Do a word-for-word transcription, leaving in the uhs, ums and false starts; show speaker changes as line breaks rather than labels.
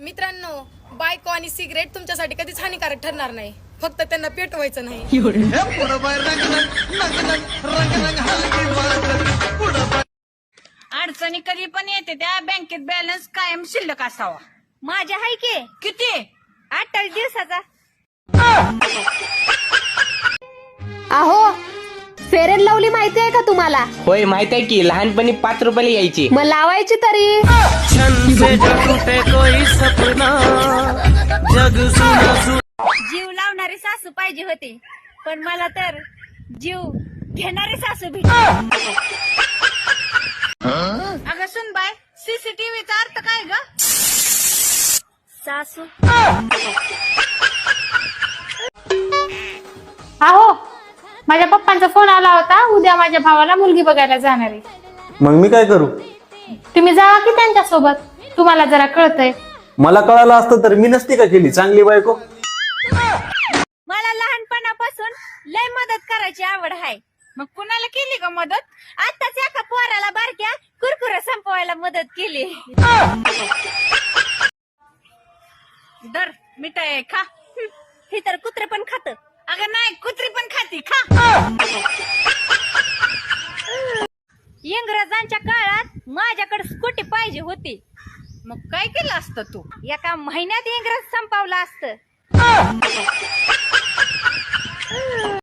मित्रांनो, बायको आणि सिगरेट तुमच्यासाठी कधीच हानिकारक ठरणार नाही, फक्त त्यांना पेटवायचं नाही.
अडचणी कधी पण येते त्या बँकेत बॅलन्स कायम शिल्लक असावा.
माझ्या हाय की
किती?
अठ्ठावीस दिवसाचा.
अहो, फेअर अँड लवली माहिती आहे का तुम्हाला?
होय माहित आहे की, लहानपणी पाच रुपयाला यायची.
मग लावायची तरी.
जीव लावणारी सासू पाहिजे होती, पण मला तर जीव घेणारी सासू भेटली.
अगं सुनबाय, सीसीटीव्हीचा अर्थ काय ग?
सासू
अहो, माझ्या पप्पांचा फोन आला होता, उद्या माझ्या भावाला मुलगी बघायला जाणार आहे.
मग मी काय करू?
तुम्ही जावा की त्यांच्या सोबत, तुम्हाला जरा कळतंय.
मला कळालं असतं तर मी नसती का केली चांगली बायको.
मला लहानपणापासून लय मदत करायची आवड आहे.
मग कुणाला केली ग मदत?
आताच एका पोराला बारक्या कुरकुरे संपवायला मदत केली.
दर मिठाई खा.
हे तर कुत्रे पण खात.
अगं नाही, कुत्री पण खाती, खा.
इंग्रजांच्या काळात माझ्याकडे स्कूटी पाहिजे होती.
मग काय केलं असतं तू?
एका महिन्यात इंग्रज संपवला असतं.